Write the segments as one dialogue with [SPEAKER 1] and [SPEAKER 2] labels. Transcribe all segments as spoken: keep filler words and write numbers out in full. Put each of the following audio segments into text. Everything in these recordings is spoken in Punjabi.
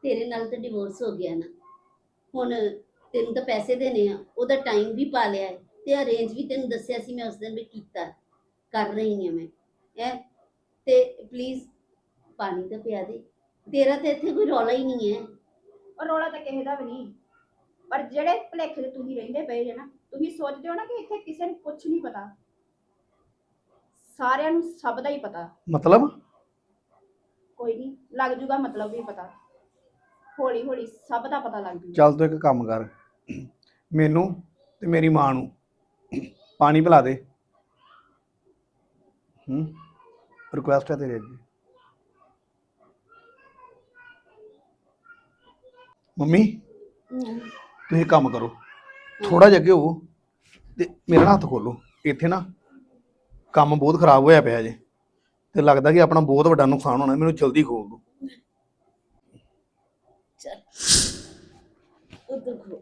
[SPEAKER 1] ਤੇਰੇ ਨਾਲ ਤਾਂ ਡਿਵੋਰਸ ਹੋ ਗਿਆ ਨਾ, ਹੁਣ ਤੈਨੂੰ ਤਾਂ ਪੈਸੇ ਦੇਣੇ ਆ, ਉਹਦਾ ਟਾਈਮ ਵੀ ਪਾ ਲਿਆ ਹੈ ਤੇ ਅਰੇਂਜ ਵੀ ਤੈਨੂੰ ਦੱਸਿਆ ਸੀ ਮੈਂ ਉਸ ਦਿਨ ਵੀ ਕੀਤਾ, ਕਰ ਰਹੀ ਹਾਂ ਮੈਂ ਹੈ। ਤੇ ਪਲੀਜ਼ ਪਾਣੀ ਤਾਂ ਪਿਆ ਦੇ, ਤੇਰਾ ਤਾਂ ਇੱਥੇ ਕੋਈ ਰੌਲਾ ਹੀ ਨਹੀਂ ਹੈ।
[SPEAKER 2] ਔਰ ਰੌਲਾ ਤਾਂ ਕਿਸੇ ਦਾ ਵੀ ਨਹੀਂ, ਪਰ ਜਿਹੜੇ ਭੁਲੇਖੇ ਤੇ ਤੁਸੀਂ ਰਹਿੰਦੇ ਪਏ ਜੇ ਨਾ, ਤੁਸੀਂ ਸੋਚਦੇ ਹੋ ਨਾ ਕਿ ਇੱਥੇ ਕਿਸੇ ਨੂੰ ਕੁਝ ਨਹੀਂ ਪਤਾ, ਸਾਰਿਆਂ ਨੂੰ ਸਭ ਦਾ ਹੀ ਪਤਾ।
[SPEAKER 3] ਮਤਲਬ
[SPEAKER 2] ਕੋਈ ਨਹੀਂ, ਲੱਗ ਜੂਗਾ ਮਤਲਬ ਵੀ ਪਤਾ, ਹੌਲੀ ਹੌਲੀ ਸਭ ਦਾ ਪਤਾ ਲੱਗ ਜੂਗਾ।
[SPEAKER 3] ਚੱਲ ਤੂੰ ਇੱਕ ਕੰਮ ਕਰ, ਮੈਨੂੰ ਤੇ ਮੇਰੀ ਮਾਂ ਨੂੰ ਪਾਣੀ ਪਿਲਾ ਦੇ। ਹੂੰ ਰਿਕੁਐਸਟ ਹੈ ਤੇਰੇ ਅੱਗੇ। ਮੰਮੀ ਤੁਸੀਂ ਕੰਮ ਕਰੋ, ਥੋੜਾ ਜਿਹਾ ਅੱਗੇ ਹੋ ਤੇ ਮੇਰਾ ਹੱਥ ਖੋਲੋ। ਇੱਥੇ ਨਾ ਕੰਮ ਬਹੁਤ ਖਰਾਬ ਹੋਇਆ ਪਿਆ ਜੇ, ਤੇ ਲੱਗਦਾ ਕਿ ਆਪਣਾ ਬਹੁਤ ਵੱਡਾ ਨੁਕਸਾਨ ਹੋਣਾ, ਮੈਨੂੰ ਜਲਦੀ ਖੋਲ ਦਿਓ।
[SPEAKER 1] ਚੱਲ ਉਧਰ ਖੋ।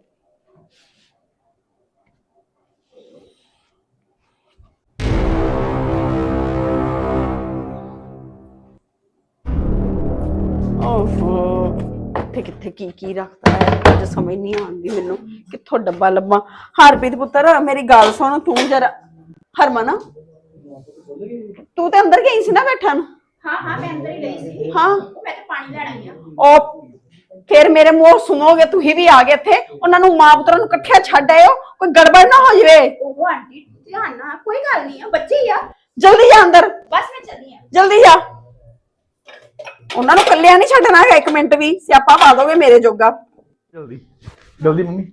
[SPEAKER 4] ਓਹੋ ਕਿੱਥੇ ਕਿੱਥੇ ਕੀ ਕੀ ਰੱਖਦਾ ਹੈ, ਕੁਝ ਸਮਝ ਨਹੀਂ ਆਉਂਦੀ ਮੈਨੂੰ, ਕਿੱਥੋਂ ਡੱਬਾ ਲੱਭਾਂ। ਹਰਪ੍ਰੀਤ ਪੁੱਤਰ ਮੇਰੀ ਗੱਲ ਸੁਣ, ਤੂੰ ਜਰਾ ਹਰਮਨ ਤੂੰ ਤੇ ਅੰਦਰ ਗਈ ਸੀ ਨਾ ਬੈਠਣ।
[SPEAKER 2] ਹਾਂ ਹਾਂ ਮੈਂ ਅੰਦਰ ਹੀ ਗਈ ਸੀ।
[SPEAKER 4] ਹਾਂ
[SPEAKER 2] ਮੈਂ ਤਾਂ ਪਾਣੀ ਲੈਣ ਆਈ ਆ।
[SPEAKER 4] ਉਹ ਫਿਰ ਮੇਰੇ ਮੂੰਹ ਸੁਣੋਗੇ, ਤੁਸੀਂ ਵੀ ਆ ਗਏ ਇੱਥੇ, ਉਹਨਾਂ ਨੂੰ ਮਾਂ ਪੁੱਤਰਾਂ ਨੂੰ ਇਕੱਠਿਆਂ ਛੱਡ ਆਇਓ, ਕੋਈ ਗੜਬੜ ਨਾ ਹੋ ਜਾਵੇ।
[SPEAKER 2] ਉਹ ਆਂਟੀ ਧਿਆਨ ਨਾਲ, ਕੋਈ ਗੱਲ ਨਹੀਂ ਆ, ਬੱਚੇ ਹੀ ਆ।
[SPEAKER 4] ਜਲਦੀ ਜਾ ਅੰਦਰ,
[SPEAKER 2] ਬਸ ਮੈਂ ਚੱਲੀ ਆ।
[SPEAKER 4] ਜਲਦੀ ਜਾ। ਉਹਨਾਂ ਨੂੰ ਇਕੱਲਿਆਂ ਨਹੀਂ ਛੱਡਣਾ ਹੈਗਾ ਇੱਕ ਮਿੰਟ ਵੀ, ਸਿਆਪਾ ਪਾ ਦੋਗੇ ਮੇਰੇ ਜੋਗਾ।
[SPEAKER 3] ਜਲਦੀ ਜਲਦੀ ਮੰਮੀ।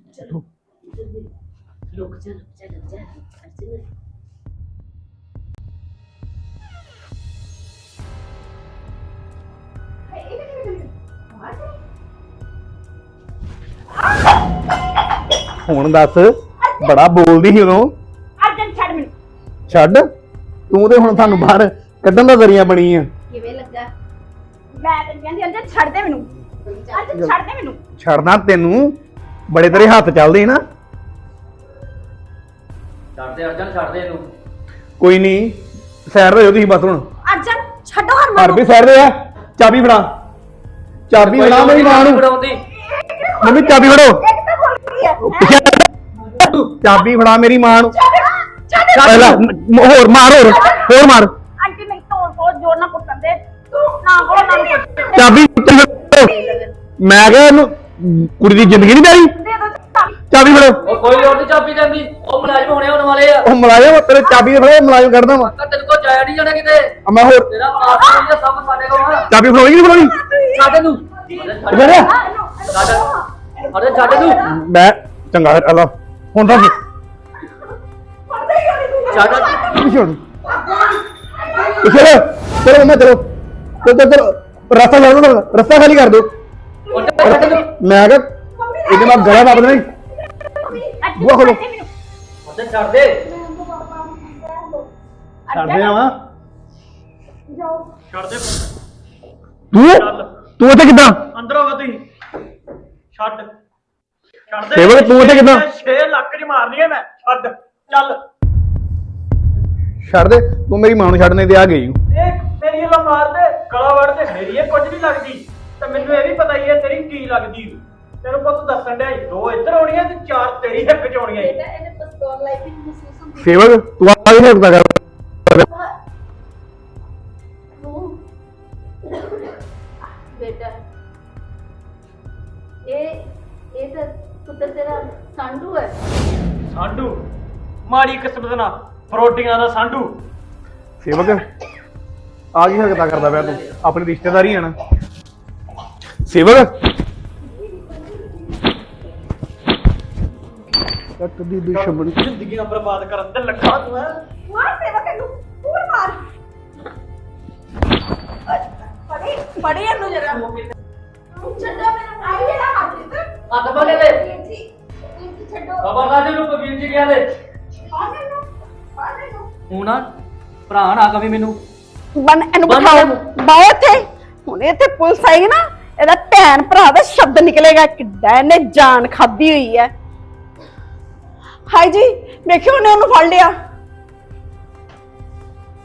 [SPEAKER 1] ਰੁਕ ਜਾ ਰੁਕ ਜਾ ਰੁਕ ਜਾ ਅਰਜਨ।
[SPEAKER 3] ਹੁਣ ਦੱਸ, ਬੜਾ ਬੋਲਦੀ ਸੀ ਉਦੋਂ।
[SPEAKER 2] ਅਰਜਨ ਛੱਡ ਮੈਨੂੰ।
[SPEAKER 3] ਛੱਡ ਤੂੰ, ਤੇ ਹੁਣ ਤੁਹਾਨੂੰ ਬਾਹਰ ਕੱਢਣ ਦਾ ਜ਼ਰੀਆ ਬਣੀ ਆ।
[SPEAKER 1] ਕਿਵੇਂ ਲੱਗਾ?
[SPEAKER 2] ਮੈਂ ਤੈਨੂੰ ਕਹਿੰਦੀ ਅਰਜਨ ਛੱਡ ਦੇ ਮੈਨੂੰ, ਅਰਜਨ ਛੱਡ ਦੇ ਮੈਨੂੰ।
[SPEAKER 3] ਛੱਡਣਾ ਤੈਨੂੰ, ਬੜੇ ਤੇਰੇ ਹੱਥ ਚੱਲਦੇ ਨਾ।
[SPEAKER 5] ਛੱਡ ਦੇ ਅਰਜਨ, ਛੱਡ ਦੇ ਇਹਨੂੰ।
[SPEAKER 3] ਕੋਈ ਨਹੀਂ, ਸੈਰ ਰਹੋ ਤੁਸੀਂ ਬਸ। ਹੁਣ
[SPEAKER 2] ਅਰਜਨ ਛੱਡੋ ਹਰਮਨ
[SPEAKER 3] ਘਰ ਵੀ ਸੈਰ ਦੇ ਆ। ਚਾਬੀ ਫੜਾ, ਚਾਬੀ ਫੜਾ ਮੇਰੀ ਮਾਂ ਨੂੰ।
[SPEAKER 5] ਫੜਾਉਂਦੀ
[SPEAKER 3] ਮੰਮੀ ਚਾਬੀ ਫੜੋ,
[SPEAKER 2] ਇੱਕ ਤਾਂ ਖੁੱਲ ਗਈ ਹੈ।
[SPEAKER 3] ਚਾਬੀ ਫੜਾ ਮੇਰੀ ਮਾਂ ਨੂੰ।
[SPEAKER 2] ਛੱਡ
[SPEAKER 3] ਪਹਿਲਾਂ ਮ- ਹੋਰ ਮਾਰ, ਹੋਰ ਹੋਰ ਮਾਰ।
[SPEAKER 2] ਆਂਟੀ ਮੇਰੀ ਤੋੜ ਤੋੜ ਜੋਰ ਨਾਲ ਕੁੱਟਣ ਦੇ, ਤੂੰ ਨਾ ਬੋਲ ਨਾ ਕੁੱਟ।
[SPEAKER 3] ਚਾਬੀ ਮੈਂ ਕਿਹਾ ਇਹਨੂੰ ਕੁੜੀ ਦੀ ਜ਼ਿੰਦਗੀ ਨਹੀਂ ਪਿਆਰੀ।
[SPEAKER 2] ਦੇ ਦੋ ਚਾਬੀ।
[SPEAKER 3] ਚਾਬੀ ਫੜੋ।
[SPEAKER 5] ਉਹ ਕੋਈ ਲੋੜ ਨਹੀਂ ਚਾਬੀ ਜਾਂਦੀ, ਉਹ ਮੁਲਾਜ਼ਮ ਹੋਣੇ ਹੋਣ ਵਾਲੇ ਆ।
[SPEAKER 3] ਉਹ ਮੁਲਾਜ਼ਮ ਤੇਰੇ ਚਾਬੀ ਦੇ ਫੜੋ, ਮੁਲਾਜ਼ਮ ਕੱਢਦਾ ਵਾ।
[SPEAKER 5] ਤਾਂ ਤੇਰੇ ਕੋਲ ਜਾਇਆ ਨਹੀਂ ਜਾਣਾ ਕਿਤੇ,
[SPEAKER 3] ਆ ਮੈਂ ਹੋਰ
[SPEAKER 5] ਤੇਰਾ ਪਾਸਪੋਰਟ ਜਾਂ ਸਭ ਸਾਡੇ ਕੋਲ ਆ।
[SPEAKER 3] ਚਾਬੀ ਫੜੋਣੀ ਕਿ ਨਹੀਂ ਫੜੋਣੀ?
[SPEAKER 5] ਛੱਡ ਇਹਨੂੰ,
[SPEAKER 3] ਮੈਂ ਕਿਹਾ,
[SPEAKER 5] ਛੱਡ ਅਰੇ ਛੱਡ ਇਹਨੂੰ,
[SPEAKER 3] ਮੈਂ ਚੰਗਾ ਫਿਰ ਅੱਲਾ ਹੁਣ ਦੱਸ
[SPEAKER 5] ਛੱਡ।
[SPEAKER 3] ਪਿੱਛੇ ਹਟ। ਪਿੱਛੇ ਚਲੋ ਮੈਂ ਚਲੋ ਚਲੋ ਚਲੋ ਰਸਤਾ ਛੱਡ ਦੋ, ਰਸਤਾ ਖਾਲੀ ਕਰ ਦਿਓ।
[SPEAKER 5] ਉਹ ਛੱਡ ਇਹਨੂੰ,
[SPEAKER 3] ਮੈਂ ਕਿਹਾ ਇਹਦੇ ਨਾਲ ਗਲਾ ਦੱਬ ਦੇਣਾ ਈ। ਬੂਹਾ ਖੋਲੋ।
[SPEAKER 5] ਉਹ ਛੱਡ ਦੇ।
[SPEAKER 3] ਛੱਡ ਦੇ ਆਵਾਂ
[SPEAKER 6] ਛੱਡ ਦੇ
[SPEAKER 3] ਤੂੰ ਤੂੰ ਇੱਥੇ ਕਿੱਦਾਂ?
[SPEAKER 6] ਅੰਦਰ ਹੋਗਾ ਤੁਸੀਂ ਛੱਡ ਛੱਡ ਦੇ
[SPEAKER 3] ਸੇਵਕ, ਤੂੰ ਇੱਥੇ ਕਿੱਦਾਂ?
[SPEAKER 6] ਛੇ ਲੱਖ ਦੀ ਮਾਰਨੀ ਹੈ ਮੈਂ, ਛੱਡ ਚੱਲ।
[SPEAKER 3] ਛੱਡ ਦੇ ਤੂੰ, ਮੇਰੀ ਮਾਂ ਨੂੰ ਛੱਡਣੇ ਤੇ ਆ ਗਈ।
[SPEAKER 6] ਇਹ ਮੇਰੀ ਲਾ ਮਾਰ ਦੇ, ਗਲਾ ਵੜ ਦੇ, ਮੇਰੀ ਇਹ ਕੁਝ ਨਹੀਂ ਲੱਗਦੀ ਤੇ ਮੈਨੂੰ ਇਹ ਵੀ ਪਤਾ ਹੀ ਹੈ ਤੇਰੀ ਕੀ ਲੱਗਦੀ। ਤੈਨੂੰ ਪੁੱਤ ਦੱਸਣ ਡਿਆ ਸੀ, ਦੋ ਇੱਧਰ ਆਉਣੀਆਂ ਤੇ ਚਾਰ ਤੇਰੀ ਹੱਕ ਚ ਆਉਣੀਆਂ।
[SPEAKER 1] ਇਹਨੇ ਪਸਤੌਲ ਲਾਈ ਵੀ ਮਹਿਸੂਸ ਹੁੰਦੀ
[SPEAKER 3] ਸੇਵਕ ਤੂੰ ਆ ਕੇ ਹੱਕਦਾ ਕਰ।
[SPEAKER 1] ਤੂੰ ਬੇਟਾ, ਇਹ ਇਹ ਤਾਂ ਪੁੱਤਰ ਤੇਰਾ ਸਾਂਢੂ ਹੈ।
[SPEAKER 6] ਸਾਂਢੂ ਮਾੜੀ ਕਿਸਮਤ ਨਾਲ ਫਰੋਟੀਆਂ ਦਾ ਸਾਂਢੂ।
[SPEAKER 3] ਸੇਵਕ ਆ ਕੀ ਹੱਕਦਾ ਕਰਦਾ ਪਿਆ ਤੂੰ? ਆਪਣੀ ਰਿਸ਼ਤੇਦਾਰੀ ਹੈ ਨਾ ਸੇਵਕ। ਕੱਟ ਦੀ ਦੁਸ਼ਮਣ
[SPEAKER 6] ਜ਼ਿੰਦਗੀਆਂ ਬਰਬਾਦ ਕਰਨ ਤੇ ਲੱਗਾ ਤੂੰ ਹੈ।
[SPEAKER 2] ਮਾਰ ਸੇਵਕ ਇਹਨੂੰ, ਪੂਰ ਮਾਰ। ਫੜੀ ਫੜੀ ਇਹਨੂੰ ਜਰਾ। ਛੱਡੋ ਮੈਨੂੰ, ਆਈ ਜਿਹੜਾ ਹੱਥ ਇੱਧਰ।
[SPEAKER 5] ਹੱਥ ਬੰਨੇ ਦੇ,
[SPEAKER 2] ਛੱਡੋ।
[SPEAKER 5] ਖਬਰਦਾਰ ਇਹਨੂੰ ਕੋਈ ਵੀਰ ਜੀ ਗਿਆ ਦੇ।
[SPEAKER 2] ਆ ਮੈਨੂੰ, ਆ ਮੈਨੂੰ।
[SPEAKER 5] ਹੁਣ ਨਾ ਭਰਾ ਨਾ ਕਵੀ ਮੈਨੂੰ।
[SPEAKER 4] ਬਨ ਇਹਨੂੰ
[SPEAKER 5] ਬੰਨ
[SPEAKER 4] ਬਿਠਾਓ,
[SPEAKER 5] ਇਹਨੂੰ।
[SPEAKER 4] ਬਾਹਰ ਇੱਥੇ। ਹੁਣ ਇੱਥੇ ਪੁਲਿਸ ਆਏਗੀ ਨਾ, ਇਹਦਾ ਭੈਣ ਭਰਾ ਦਾ ਸ਼ਬਦ ਨਿਕਲੇਗਾ, ਕਿੱਡਾ ਇਹਨੇ ਜਾਨ ਖਾਦੀ ਹੋਈ ਹੈ। ਹਾਈ ਜੀ ਵੇਖਿਓ, ਉਹਨੇ ਉਹਨੂੰ ਫੜ ਲਿਆ।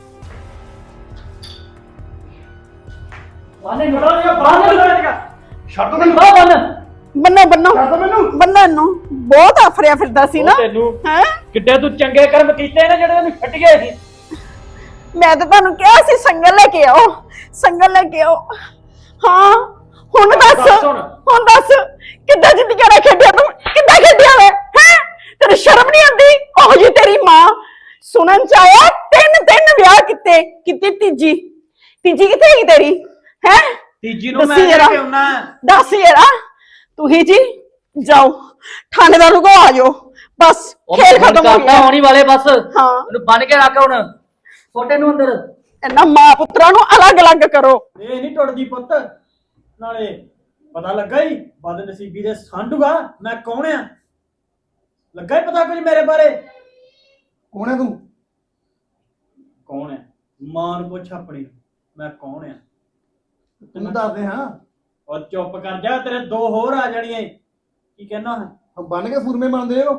[SPEAKER 5] ਬਾਨੇ ਨੂੰ
[SPEAKER 6] ਬੜਾ ਜਿਹਾ ਬਾਹਰ ਨਿਕਲ ਗਿਆ।
[SPEAKER 3] ਛੱਡ ਦੋ ਮੈਨੂੰ
[SPEAKER 5] ਬਾਹ ਬੰਨ
[SPEAKER 4] ਬੰਨੋ ਬੰਨੋ
[SPEAKER 3] ਛੱਡ ਦੋ ਮੈਨੂੰ
[SPEAKER 4] ਬੰਨਣ ਨੂੰ ਬਹੁਤ ਆਫਰਿਆ ਫਿਰਦਾ ਸੀ ਨਾ
[SPEAKER 6] ਉਹ ਤੈਨੂੰ
[SPEAKER 4] ਹੈ
[SPEAKER 6] ਕਿੱਡੇ ਤੂੰ ਚੰਗੇ ਕਰਮ ਕੀਤੇ ਨੇ ਜਿਹੜੇ ਤੈਨੂੰ ਛੱਡ ਗਏ ਸੀ।
[SPEAKER 4] ਮੈਂ ਤਾਂ ਤੁਹਾਨੂੰ ਕਿਹਾ ਸੀ ਸੰਗਲ ਲੈ ਕੇ ਆਓ ਸੰਗਲ ਲੈ ਕੇ ਆਓ ਹਾਂ ਹੁਣ ਦੱਸ
[SPEAKER 6] ਦੱਸ ਹੁਣ।
[SPEAKER 4] ਹੁਣ ਦੱਸ ਕਿੱਦਾਂ ਜ਼ਿੰਦਗੀ ਨਾਲ ਖੇਡਿਆ ਤੂੰ ਕਿੱਦਾਂ ਖੇਡਿਆ ਵੇ ਹੈ ਤੇਰੀ ਸ਼ਰਮ ਨਹੀਂ ਆਉਂਦੀ ਉਹ ਜੀ ਤੇਰੀ ਮਾਂ ਸੁਣਨ ਚ ਆਇਆ ਤਿੰਨ ਤਿੰਨ ਵਿਆਹ ਕੀਤੇ ਕਿਤੇ ਤੀਜੀ ਤੀਜੀ ਕਿੱਥੇ ਗਈ ਤੇਰੀ ਹੈ
[SPEAKER 6] ਤੀਜੀ ਨੂੰ ਮੈਂ
[SPEAKER 4] ਦੱਸੀ
[SPEAKER 6] ਲੈ
[SPEAKER 4] ਜਰਾ।
[SPEAKER 6] ਕੇ ਆਉਣਾ।
[SPEAKER 4] ਦੱਸ ਯਾਰਾ ਤੁਸੀਂ ਜੀ ਜਾਓ ਥਾਣੇਦਾਰ ਕੋ ਆ ਜਾਓ ਬਸ
[SPEAKER 5] ਉਹ
[SPEAKER 4] ਖੇਲ
[SPEAKER 5] ਫੋਨ
[SPEAKER 4] ਖਤਮ ਹੋ
[SPEAKER 5] ਕਰਦਾ
[SPEAKER 4] ਗਿਆ
[SPEAKER 5] ਹੋਣੀ ਵਾਲੇ ਬਸ
[SPEAKER 4] ਹਾਂ
[SPEAKER 5] ਉਹਨੂੰ ਬੰਨ ਕੇ ਰੱਖ ਹੁਣ ਛੋਟੇ ਨੂੰ ਅੰਦਰ
[SPEAKER 4] ਇਹਨਾਂ ਮਾਂ ਪੁੱਤਰਾਂ ਨੂੰ ਅਲੱਗ-ਅਲੱਗ ਕਰੋ
[SPEAKER 6] ਇਹ ਨਹੀਂ ਟੁੱਟਦੀ ਪੁੱਤ। ਨਾਲੇ ਪਤਾ ਲੱਗਾ ਹੀ ਬਦ ਨਸੀਬੀ ਦੇ ਸੰਡੂਗਾ ਮੈਂ ਕੌਣ ਆ। ਲੱਗਾ ਹੀ ਪਤਾ ਕੁਝ ਮੇਰੇ ਬਾਰੇ।
[SPEAKER 3] ਕੌਣ ਹੈ ਤੂੰ
[SPEAKER 6] ਕੌਣ ਹੈ ਮਾਂ ਨੂੰ ਪੁੱਛ ਆਪਣੀ ਮੈਂ ਕੌਣ ਆ।
[SPEAKER 3] ਤੈਨੂੰ ਦੱਸਦੇ ਹਾਂ
[SPEAKER 6] ਔਰ ਚੁੱਪ ਕਰ ਜਾ ਤੇਰੇ ਦੋ ਹੋਰ ਆ ਜਾਣੀਆਂ ਈ। ਕੀ ਕਹਿਣਾ ਹੈ
[SPEAKER 3] ਹਮ ਬੰਨ ਕੇ ਸੂਰਮੇ ਬਣਦੇ ਹੋ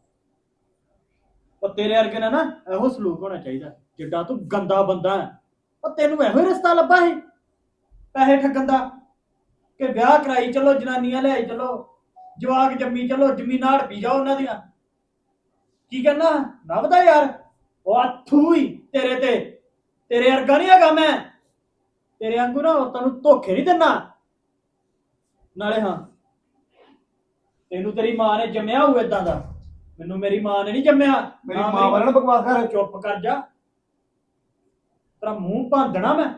[SPEAKER 6] ਉਹ ਤੇਰੇ ਵਰਗੇ ਨਾਲ ਨਾ ਇਹੋ ਸਲੂਕ ਹੋਣਾ ਚਾਹੀਦਾ ਜਿੱਡਾ ਤੂੰ ਗੰਦਾ ਬੰਦਾ ਹੈ। ਉਹ ਤੈਨੂੰ ਇਹੋ ਹੀ ਰਸਤਾ ਲੱਭਾ ਸੀ ਪੈਸੇ ਠੱਗਣ ਦਾ ਕਿ ਵਿਆਹ ਕਰਾਈ ਚਲੋ ਜਨਾਨੀਆਂ ਲਿਆਈ ਚਲੋ ਜਵਾਕ ਜੰਮੀ ਚਲੋ ਜ਼ਮੀਨਾਂ ਹੜਪੀ ਜਾਓ ਉਹਨਾਂ ਦੀਆਂ। ਕੀ ਕਹਿਣਾ ਨੱਭਦਾ ਯਾਰ ਉਹ ਆਥੂ ਹੀ ਤੇਰੇ ਤੇ ਤੇਰੇ ਵਰਗਾ ਨਹੀਂ ਹੈਗਾ ਮੈਂ। ਤੇਰੇ ਵਾਂਗੂ ਨਾ ਔਰਤਾਂ ਨੂੰ ਧੋਖੇ ਨਹੀਂ ਦਿੰਦਾ। ਨਾਲੇ ਹਾਂ ਤੈਨੂੰ ਤੇਰੀ ਮਾਂ ਨੇ ਜੰਮਿਆ ਹੋਊ ਏਦਾਂ ਦਾ ਮੈਨੂੰ ਮੇਰੀ ਮਾਂ ਨੇ ਨਹੀਂ ਜੰਮਿਆ।
[SPEAKER 3] ਮੇਰੀ
[SPEAKER 6] ਨਾ
[SPEAKER 3] ਮਾਂ ਵਾਲਾ ਬਕਵਾਸ ਕਰ
[SPEAKER 6] ਚੁੱਪ ਕਰ ਜਾ ਤੇਰਾ ਮੂੰਹ ਭੰਦਣਾ ਮੈਂ।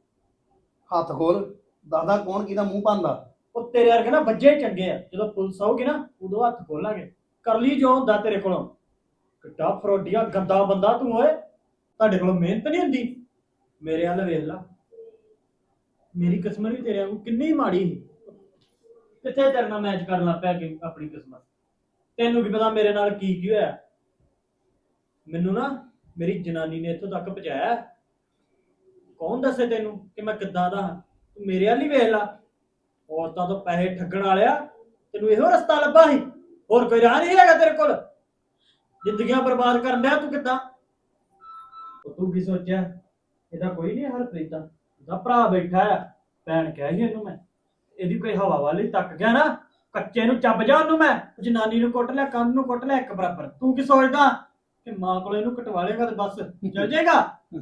[SPEAKER 3] ਹੱਥ ਖੋਲ ਦੱਸਦਾ ਕੌਣ ਕਿਹਦਾ ਮੂੰਹ ਭੰਦਾ
[SPEAKER 6] ਉਹ ਤੇਰੇ ਵਰਗੇ ਨਾ ਬੱਜੇ ਚੰਗੇ ਆ ਜਦੋਂ ਪੁਲਿਸ ਆਊਗੀ ਨਾ ਉਦੋਂ ਹੱਥ ਖੋਲਾਂਗੇ ਕਰ ਲਈ ਜੋ ਹੁੰਦਾ ਤੇਰੇ ਕੋਲੋਂ। ਕਿੱਡਾ ਫਰੋਡੀਆ ਗੰਦਾ ਬੰਦਾ ਤੂੰ ਓਏ। ਤੁਹਾਡੇ ਕੋਲੋਂ ਮਿਹਨਤ ਨਹੀਂ ਹੁੰਦੀ। ਮੇਰੇ ਵੱਲ ਵੇਖ ਲਾ ਮੇਰੀ ਕਿਸਮਤ ਵੀ ਤੇਰੇ ਵਾਂਗੂ ਕਿੰਨੀ ਮਾੜੀ ਸੀ। ਕਿੱਥੇ ਤੇਰੇ ਨਾਲ ਮੈਚ ਕਰਨ ਲੱਗ ਪਿਆ ਕਿ ਆਪਣੀ ਕਿਸਮਤ। ਤੈਨੂੰ ਕੀ ਪਤਾ ਮੇਰੇ ਨਾਲ ਕੀ ਕੀ ਹੋਇਆ। ਮੈਨੂੰ ਨਾ ਮੇਰੀ ਜਨਾਨੀ ਨੇ ਇੱਥੋਂ ਤੱਕ ਪਹੁੰਚਾਇਆ। ਕੌਣ ਦੱਸੇ ਤੈਨੂੰ ਕਿ ਮੈਂ ਕਿੱਦਾਂ ਦਾ ਹਾਂ। ਤੂੰ ਮੇਰੇ ਵੱਲ ਹੀ ਵੇਖ ਲਾ ਔਰਤਾਂ ਤੋਂ ਪੈਸੇ ਠੱਗਣ ਵਾਲਿਆ ਤੈਨੂੰ ਇਹੋ ਰਸਤਾ ਲੱਭਾ ਸੀ ਹੋਰ ਕੋਈ ਰਾਹ ਨਹੀਂ ਹੈਗਾ ਤੇਰੇ ਕੋਲ। ਜ਼ਿੰਦਗੀਆਂ ਬਰਬਾਦ ਕਰਨ ਡਿਆ ਤੂੰ ਕਿੱਦਾਂ। ਉਹ ਤੂੰ ਕੀ ਸੋਚਿਆ ਇਹਦਾ ਕੋਈ ਨਹੀਂ ਹਰਪ੍ਰੀਤ ਦਾ ਇਹਦਾ ਭਰਾ ਬੈਠਾ ਆ। ਭੈਣ ਕਿਹਾ ਸੀ ਇਹਨੂੰ ਮੈਂ ਇਹਦੀ ਕੋਈ ਹਵਾ ਵਾਲੀ ਤੱਕ ਗਿਆ ਨਾ ਕੱਚੇ ਨੂੰ ਚੱਬ ਜਾ ਉਹਨੂੰ ਮੈਂ। ਜਨਾਨੀ ਨੂੰ ਕੁੱਟ ਲਿਆ ਕੰਨ ਨੂੰ ਕੁੱਟ ਲਿਆ ਇੱਕ ਬਰਾਬਰ। ਤੂੰ ਕੀ ਸੋਚਦਾ ਕਿ ਮਾਂ ਕੋਲ ਇਹਨੂੰ ਕਟਵਾ ਲੇਗਾ ਤੇ ਬਸ ਚੱਲ ਜਾਏਗਾ।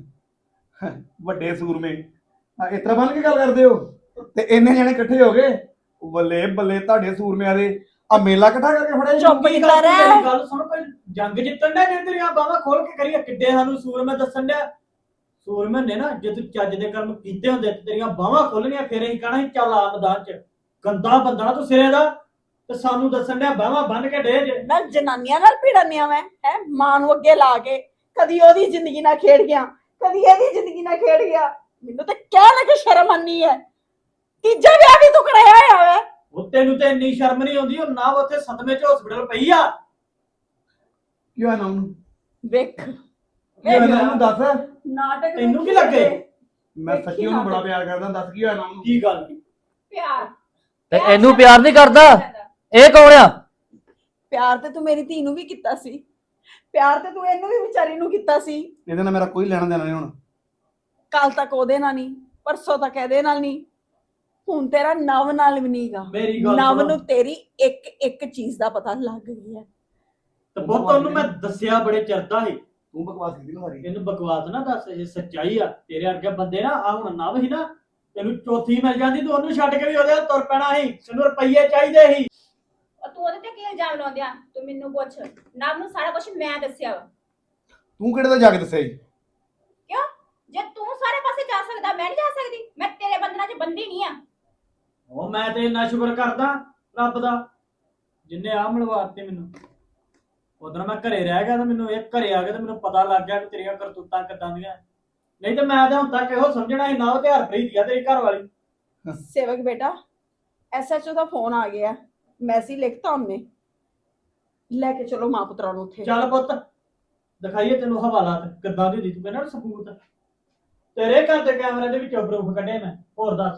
[SPEAKER 3] ਵੱਡੇ ਸੂਰਮੇ ਆ ਇਸ ਤਰ੍ਹਾਂ ਬੰਨ ਕੇ ਗੱਲ ਕਰਦੇ ਹੋ ਤੇ ਇੰਨੇ ਜਣੇ ਇਕੱਠੇ ਹੋ ਗਏ ਬੱਲੇ ਬੱਲੇ ਤੁਹਾਡੇ ਸੂਰਮਿਆਂ ਦੇ ਆ ਮੇਲਾ ਇਕੱਠਾ ਕਰਕੇ ਫੜਿਆ ਜੀ।
[SPEAKER 4] ਚੁੱਪ
[SPEAKER 6] ਕੀ
[SPEAKER 4] ਕਰ
[SPEAKER 6] ਗੱਲ ਤੂੰ
[SPEAKER 4] ਰਿਹਾ।
[SPEAKER 6] ਮੇਰੀ ਗੱਲ ਸੁਣ ਕੋਈ ਜੰਗ ਜਿੱਤਣ ਦਾ ਜੇ ਤੇਰੀਆਂ ਬਾਹਾਂ ਖੋਲ ਕੇ ਕਰੀਏ ਕਿੱਡੇ ਸਾਨੂੰ ਸੂਰਮੇ ਦੱਸਣ ਡਿਆ। ਸੂਰਮੇ ਨੇ ਨਾ ਜੇ ਤੂੰ ਚੱਜ ਦੇ ਕਰਮ ਕੀਤੇ ਹੁੰਦੇ ਤੇ ਤੇਰੀਆਂ ਬਾਹਾਂ ਖੋਲਣੀਆਂ ਫਿਰ ਅਸੀਂ ਕਹਣਾ ਸੀ ਚੱਲ ਆ ਮੈਦਾਨ ਚ। ਗੰਦਾ ਬੰਦਾ ਤੂੰ ਸਿਰੇ ਦਾ ਤੇ ਸਾਨੂੰ ਦੱਸਣ ਡਿਆ ਬਾਹਾਂ ਬੰਨ ਕੇ ਡੇ ਜੇ।
[SPEAKER 4] ਮੈਂ ਜਨਾਨੀਆਂ ਨਾਲ ਭਿੜਨੀਆਂ ਮੈਂ ਹੈ ਮਾਂ ਨੂੰ ਅੱਗੇ ਲਾ ਕੇ ਕਦੀ ਉਹਦੀ ਜ਼ਿੰਦਗੀ ਨਾਲ ਖੇਡ ਗਿਆ ਕਦੀ ਇਹਦੀ ਜ਼ਿੰਦਗੀ ਨਾਲ ਖੇਡ ਗਿਆ। ਮੈਨੂੰ ਤਾਂ ਕਹਿ ਲੱਗੇ ਸ਼ਰਮ ਆਨੀ ਹੈ। ਤੀਜਾ ਵਿਆਹ ਵੀ ਤੂੰ ਕਰਾਇਆ ਹੋਇਆ ਵਾ।
[SPEAKER 6] ਉਹ ਤੈਨੂੰ ਤੇ ਇੰਨੀ ਸ਼ਰਮ ਨਹੀਂ ਆਉਂਦੀ। ਉਹ ਨਾ ਉੱਥੇ ਸਦਮੇ ਚ ਹਸਪੀਟਲ ਪਈ ਆ।
[SPEAKER 3] ਕੀ ਹੋਇਆ ਨਾਮ ਨੂੰ
[SPEAKER 4] ਵੇਖ
[SPEAKER 3] ਕੀ ਹੋਇਆ ਨਾਮ ਨੂੰ ਦੱਸ।
[SPEAKER 4] ਨਾਟਕ
[SPEAKER 6] ਤੈਨੂੰ ਕੀ ਲੱਗੇ?
[SPEAKER 3] ਮੈਂ ਸੱਚੀ ਉਹਨੂੰ ਬੜਾ ਪਿਆਰ ਕਰਦਾ ਦੱਸ ਕੀ ਹੋਇਆ ਨਾਮ ਨੂੰ।
[SPEAKER 6] ਕੀ ਗੱਲ
[SPEAKER 2] ਪਿਆਰ
[SPEAKER 5] ਤੇ ਇਹਨੂੰ ਪਿਆਰ ਨਹੀਂ ਕਰਦਾ ਇਹ ਕੌਣ ਆ।
[SPEAKER 4] ਪਿਆਰ ਤੇ ਤੂੰ ਮੇਰੀ ਧੀ ਨੂੰ ਵੀ ਕੀਤਾ ਸੀ ਪਿਆਰ ਤੇ ਤੂੰ ਇਹਨੂੰ ਵੀ ਵਿਚਾਰੀ ਨੂੰ ਕੀਤਾ ਸੀ।
[SPEAKER 3] ਇਹਦੇ ਨਾਲ ਮੇਰਾ ਕੋਈ ਲੈਣਾ ਦੇਣਾ ਨਹੀਂ ਹੁਣ।
[SPEAKER 4] ਕੱਲ ਤੱਕ ਉਹਦੇ ਨਾਲ ਨਹੀਂ ਪਰਸੋਂ ਤੱਕ ਇਹਦੇ ਨਾਲ ਨਹੀਂ ਹੁਣ ਤੇਰਾ ਨਵ ਨਾਲ ਵੀ ਨਹੀਂਗਾ।
[SPEAKER 6] ਮੇਰੀ ਗੱਲ
[SPEAKER 4] ਨਵ
[SPEAKER 6] ਸੁਣੋ।
[SPEAKER 4] ਨੂੰ ਤੇਰੀ ਇੱਕ ਇੱਕ ਚੀਜ਼ ਦਾ ਪਤਾ ਲੱਗ ਗਿਆ।
[SPEAKER 6] ਤੇ ਪੁੱਤ ਉਹਨੂੰ ਮੈਂ ਦੱਸਿਆ ਬੜੇ ਚਿਰਦਾ ਸੀ।
[SPEAKER 3] ਤੂੰ ਬਕਵਾਸ ਕੀਤੀ ਨਾ ਸਾਰੀ।
[SPEAKER 6] ਇਹਨੂੰ ਬਕਵਾਸ ਨਾ ਦੱਸ ਜੇ ਸੱਚਾਈ ਆ ਤੇਰੇ ਵਰਗੇ ਬੰਦੇ ਨਾ ਆ ਹੁਣ ਨਵ ਸੀ ਨਾ ਤੈਨੂੰ ਚੌਥੀ ਮਿਲ ਜਾਂਦੀ ਤੂੰ ਉਹਨੂੰ ਛੱਡ ਕੇ ਵੀ ਉਹਦੇ ਨਾਲ ਤੁਰ ਪੈਣਾ ਸੀ। ਤੈਨੂੰ ਰੁਪਈਏ ਚਾਹੀਦੇ ਸੀ।
[SPEAKER 2] ਉਹ ਤੂੰ ਉਹਦੇ ਤੇ ਕੀ ਇਲਜ਼ਾਮ ਲਾਉਂਦਿਆ ਤੂੰ ਮੈਨੂੰ ਪੁੱਛ। ਨਵ ਨੂੰ ਸਾਰਾ ਕੁਝ ਮੈਂ ਦੱਸਿਆ ਵਾ।
[SPEAKER 3] ਤੂੰ ਕਿਹੜੇ ਦਾ ਜਾ ਕੇ ਦੱਸਿਆ ਜੀ।
[SPEAKER 2] ਕਿਉਂ ਜੇ ਤੂੰ ਸਾਰੇ ਪਾਸੇ ਜਾ ਸਕਦਾ ਮੈਂ ਨਹੀਂ ਜਾ ਸਕਦੀ। ਮੈਂ ਤੇਰੇ ਬੰਧਨਾਂ 'ਚ ਬੰਦੀ ਨਹੀਂ ਆ।
[SPEAKER 6] ਉਹ ਮੈਂ ਤੇ ਇੰਨਾ ਸ਼ੁਕਰ ਕਰਦਾ ਰੱਬ ਦਾ ਜਿੰਨੇ ਆ ਮਿਲਵਾਤੇ ਮੈਨੂੰ। ਉਦੋਂ ਮੈਂ ਘਰੇ ਰਹਿ ਗਿਆ ਤਾਂ ਮੈਨੂੰ ਇਹ ਘਰੇ ਆ ਕੇ ਤਾਂ ਮੈਨੂੰ ਪਤਾ ਲੱਗ ਗਿਆ ਕਿ ਤੇਰੀਆਂ ਕਰਤੂਤਾਂ ਕਿੱਦਾਂ ਦੀਆਂ। ਨਹੀਂ ਤੇ ਮੈਂ ਤਾਂ ਹੁਣ ਤੱਕ ਇਹੋ ਸਮਝਣਾ ਸੀ ਨਾ ਉਹ ਤੇ ਹਰਪ੍ਰੀਤ ਆ ਤੇਰੀ ਘਰ ਵਾਲੀ।
[SPEAKER 4] ਸੇਵਕ ਬੇਟਾ ਐਸਐਚਓ ਦਾ ਫੋਨ ਆ ਗਿਆ ਮੈਸੇਜ ਲਿਖਤਾ ਉਹਨੇ ਲੈ ਕੇ ਚਲੋ ਮਾਂ ਪੁੱਤਰਾਂ ਨੂੰ ਉੱਥੇ।
[SPEAKER 6] ਚੱਲ ਪੁੱਤ ਦਿਖਾਈਏ ਤੈਨੂੰ ਹਵਾਲਾਤ ਕਿੱਦਾਂ ਦੀ ਹੁੰਦੀ। ਤੂੰ ਕਹਿੰਦਾ ਨਾ ਸਬੂਤ ਤੇਰੇ ਘਰ ਦੇ ਕੈਮਰੇ ਦੇ ਵਿੱਚੋਂ ਪ੍ਰੂਫ ਕੱਢੇ ਮੈਂ। ਹੋਰ ਦੱਸ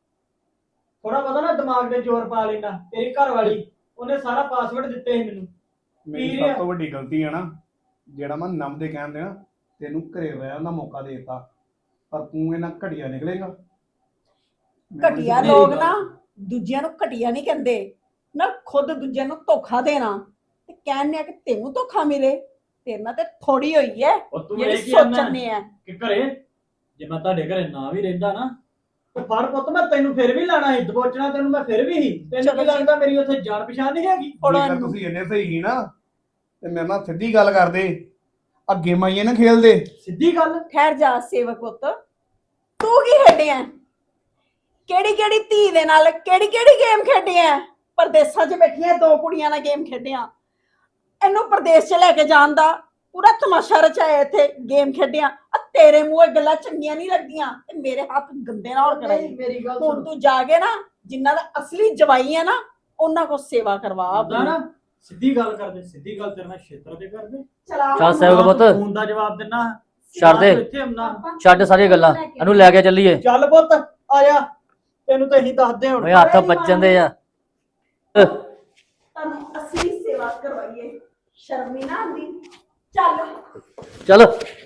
[SPEAKER 6] ਥੋੜਾ ਪਤਾ ਨਾ ਦਿਮਾਗ ਦੇ ਜ਼ੋਰ ਪਾ ਲੈਣਾ। ਤੇਰੀ ਘਰ ਵਾਲੀ ਉਹਨੇ ਸਾਰਾ ਪਾਸਵਰਡ ਦਿੱਤੇ ਸੀ ਮੈਨੂੰ।
[SPEAKER 3] ਮੇਰੀ
[SPEAKER 6] ਕੀ
[SPEAKER 3] ਸਭ
[SPEAKER 6] ਆ?
[SPEAKER 3] ਤੋਂ ਵੱਡੀ ਗਲਤੀ ਹੈ ਨਾ ਜਿਹੜਾ ਮੈਂ ਨਮ ਦੇ ਕਹਿਣ ਦੇ ਨਾ ਤੈਨੂੰ ਘਰੇ ਰਹਿਣ ਦਾ ਮੌਕਾ ਦੇ ਦਿੱਤਾ ਪਰ ਤੂੰ ਇਹਨਾਂ ਘਟੀਆ ਨਿਕਲੇਗਾ।
[SPEAKER 4] ਘਟੀਆ
[SPEAKER 6] ਮੇਰੀ
[SPEAKER 4] ਲੋਕ
[SPEAKER 6] ਗੱਲ-
[SPEAKER 4] ਨਾ ਦੂਜਿਆਂ ਨੂੰ ਘਟੀਆ ਨਹੀਂ ਕਹਿੰਦੇ ਨਾ, ਖੁਦ ਦੂਜਿਆਂ ਨੂੰ ਧੋਖਾ ਦੇਣਾ ਤੇ ਕਹਿੰਦੇ ਆ ਕਿ ਤੈਨੂੰ ਧੋਖਾ ਮਿਲੇ, ਤੇਰੇ ਨਾਲ ਤੇ ਥੋੜੀ ਹੋਈ ਹੈ
[SPEAKER 6] ਉਹ ਤੂੰ
[SPEAKER 4] ਜਿਹੜੀ
[SPEAKER 6] ਇਹ ਕੀ ਆਨਾ
[SPEAKER 4] ਸੋਚਣੇ ਆ।
[SPEAKER 6] ਕਿ ਘਰੇ ਜੇ ਮੈਂ ਤੁਹਾਡੇ ਘਰੇ ਨਾ ਵੀ ਰਹਿੰਦਾ ਨਾ ਤੇ ਫੜ ਪੁੱਤ ਮੈਂ ਤੈਨੂੰ ਫਿਰ ਵੀ ਲਾਣਾ ਸੀ, ਦਬੋਚਣਾ ਤੈਨੂੰ ਮੈਂ ਫਿਰ ਵੀ ਸੀ। ਤੈਨੂੰ
[SPEAKER 4] ਚਲੋ
[SPEAKER 6] ਕੀ
[SPEAKER 4] ਜੀ।
[SPEAKER 6] ਲੱਗਦਾ ਮੇਰੀ ਉੱਥੇ ਜਾਣ ਪਛਾਣ ਨਹੀਂ ਹੈਗੀ?
[SPEAKER 4] ਥੋੜਾ
[SPEAKER 3] ਜੇਕਰ ਤੁਸੀਂ ਇੰਨੇ ਸਹੀ ਸੀ ਨਾ ਤੇ ਮੇਰੇ ਨਾਲ ਸਿੱਧੀ ਗੱਲ ਕਰਦੇ, ਅੱਗੇ ਮਾਈਏ ਨਾ ਖੇਲਦੇ।
[SPEAKER 6] ਸਿੱਧੀ ਗੱਲ।
[SPEAKER 4] ਠਹਿਰ ਜਾ ਸੇਵਕ ਪੁੱਤ, ਤੂੰ ਕੀ ਖੇਡਿਆ? ਕਿਹੜੀ ਕਿਹੜੀ ਧੀ ਦੇ ਨਾਲ ਕਿਹੜੀ ਕਿਹੜੀ ਗੇਮ ਖੇਡਿਆ? ਪਰਦੇਸਾਂ 'ਚ ਬੈਠੀਆਂ ਦੋ ਕੁੜੀਆਂ ਨਾਲ ਗੇਮ ਖੇਡਿਆ, ਇਹਨੂੰ ਪਰਦੇਸ 'ਚ ਲੈ ਕੇ ਜਾਣ ਦਾ ਪੂਰਾ ਤਮਾਸ਼ਾ ਰਚਾਇਆ, ਇੱਥੇ ਗੇਮ ਖੇਡਿਆ। ਆ ਤੇਰੇ ਮੂੰਹ ਇਹ ਗੱਲਾਂ ਚੰਗੀਆਂ ਨਹੀਂ ਲੱਗਦੀਆਂ ਤੇ ਮੇਰੇ ਹੱਥ ਗੰਦੇ ਨਾ ਹੋਰ ਕਰਾਈ।
[SPEAKER 6] ਮੇਰੀ ਗੱਲ
[SPEAKER 4] ਹੁਣ ਤੂੰ ਜਾ ਕੇ ਨਾ ਜਿਨ੍ਹਾਂ ਦਾ ਅਸਲੀ ਜਵਾਈ ਹੈ ਨਾ ਉਹਨਾਂ ਕੋ ਸੇਵਾ ਕਰਵਾ
[SPEAKER 6] ਹੁੰਦਾ ਨਾ, ਸਿੱਧੀ ਗੱਲ ਕਰਦੇ, ਸਿੱਧੀ ਗੱਲ ਤੇਰੇ ਨਾਲ ਛੇਤਰ ਤੇ ਕਰਦੇ।
[SPEAKER 4] ਚਲਾ
[SPEAKER 5] ਚੱਲ ਸੇਵਕ ਪੁੱਤ
[SPEAKER 6] ਫੋਨ ਦਾ ਜਵਾਬ ਦਿੰਨਾ,
[SPEAKER 5] ਛੱਡ ਦੇ।
[SPEAKER 6] ਇੱਥੇ ਆਉਣਾ।
[SPEAKER 5] ਛੱਡ ਸਾਰੀਆਂ ਗੱਲਾਂ, ਇਹਨੂੰ ਲੈ ਕੇ ਚੱਲੀਏ।
[SPEAKER 6] ਚੱਲ ਪੁੱਤ ਆ ਜਾ, ਤੈਨੂੰ ਤਾਂ ਅਸੀਂ ਦੱਸਦੇ ਹੁਣ।
[SPEAKER 5] ਓਏ ਹੱਥ ਵੱਜਣ ਦੇ ਆ।
[SPEAKER 4] ਤੁਹਾਨੂੰ ਅਸਲੀ ਸੇਵਾ ਕਰਵਾਈਏ, ਸ਼ਰਮ ਨਹੀਂ ਨਾ ਆਉਂਦੀ? ਚੱਲ
[SPEAKER 5] ਚੱਲ